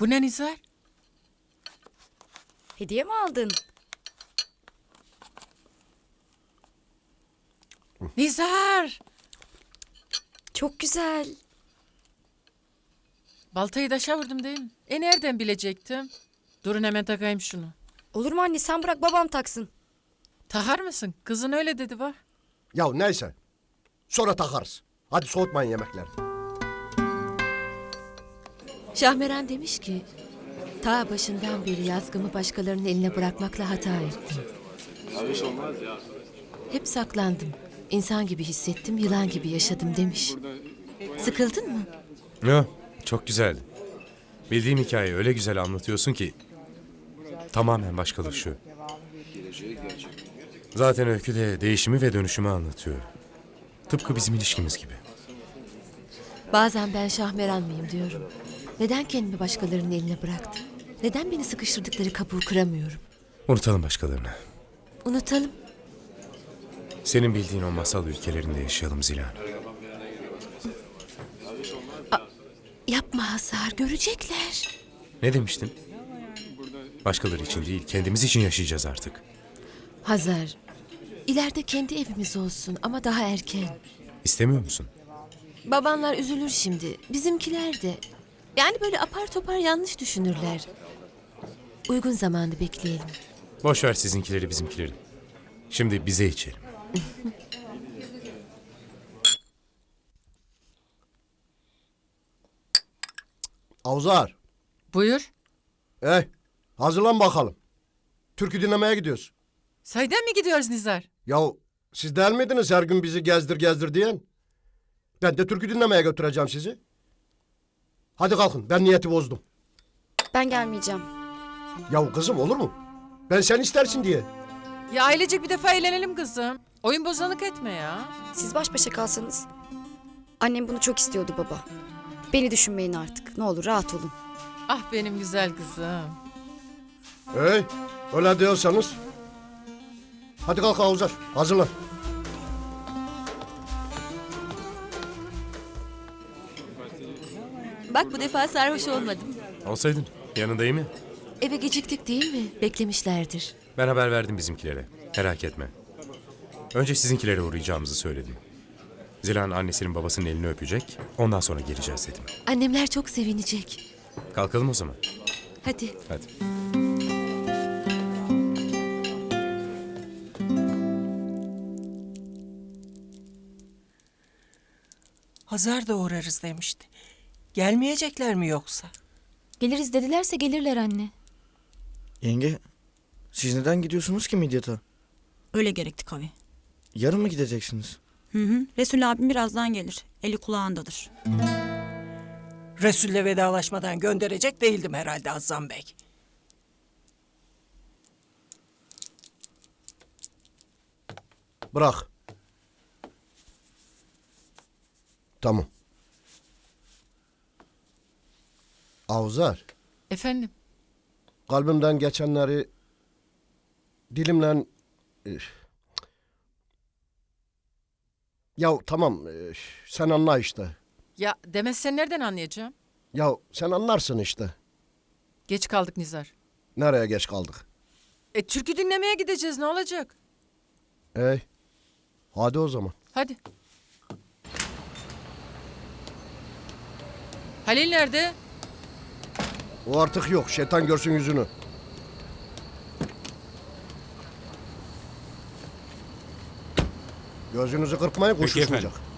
Bu ne Nizar? Hediye mi aldın? Nizar! Çok güzel. Baltayı taşa vurdum değil mi? Nereden bilecektim? Durun hemen takayım şunu. Olur mu anne, sen bırak babam taksın. Takar mısın? Kızın öyle dedi bak. Ya neyse. Sonra takarız. Hadi soğutmayın yemekleri. Şahmeran demiş ki, ta başından beri yazgımı başkalarının eline bırakmakla hata ettim. Hep saklandım. İnsan gibi hissettim, yılan gibi yaşadım demiş. Sıkıldın mı? Yo, çok güzeldi. Bildiğim hikayeyi öyle güzel anlatıyorsun ki tamamen başkalaşıyor. Zaten öykü de değişimi ve dönüşümü anlatıyor. Tıpkı bizim ilişkimiz gibi. Bazen ben Şahmeran mıyım diyorum. Neden kendimi başkalarının eline bıraktım? Neden beni sıkıştırdıkları kabuğu kıramıyorum? Unutalım başkalarını. Unutalım. Senin bildiğin o masal ülkelerinde yaşayalım Zilan. Yapma Hazar, görecekler. Ne demiştin? Başkaları için değil, kendimiz için yaşayacağız artık. Hazar, ileride kendi evimiz olsun ama daha erken. İstemiyor musun? Babanlar üzülür şimdi, bizimkiler de. Yani böyle apar topar yanlış düşünürler. Uygun zamanı bekleyelim. Boş ver sizinkileri bizimkileri. Şimdi bize içelim. Avzar. Buyur. Hazırlan bakalım. Türkü dinlemeye gidiyoruz. Sayden mi gidiyoruz Nizar? Yahu siz değil miydiniz her gün bizi gezdir gezdir diyen? Ben de türkü dinlemeye götüreceğim sizi. Hadi kalkın, ben niyeti bozdum. Ben gelmeyeceğim. Yahu kızım olur mu? Ben sen istersin diye. Ya ailecek bir defa eğlenelim kızım. Oyun bozanlık etme ya. Siz baş başa kalsanız. Annem bunu çok istiyordu baba. Beni düşünmeyin artık. Ne olur rahat olun. Ah benim güzel kızım. Öyle diyorsanız. Hadi kalk Avzar, hazırlan. Bak bu defa sarhoş olmadım. Olsaydın yanındayım ya. Eve geciktik değil mi? Beklemişlerdir. Ben haber verdim bizimkilere. Merak etme. Önce sizinkilere uğrayacağımızı söyledim. Zilan annesinin babasının elini öpecek. Ondan sonra geleceğiz dedim. Annemler çok sevinecek. Kalkalım o zaman. Hadi. Hadi. Hazar da uğrarız demişti. Gelmeyecekler mi yoksa? Geliriz dedilerse gelirler anne. Yenge, siz neden gidiyorsunuz ki Midyat'a? Öyle gerekti Kavi. Yarın mı gideceksiniz? Resul abim birazdan gelir. Eli kulağındadır. Resul'le vedalaşmadan gönderecek değildim herhalde Hazzan Bey. Bırak. Tamam. Avzar, Efendim? kalbimden geçenleri dilimle... Ya tamam, sen anla işte. Ya demezsen nereden anlayacağım? Ya sen anlarsın işte. Geç kaldık Nizar. Nereye geç kaldık? Türkü dinlemeye gideceğiz, ne olacak? Hadi o zaman. Hadi. Halil nerede? O artık yok. Şeytan görsün yüzünü. Gözünüzü kırpmayın, kuş Peki uçmayacak. efendim.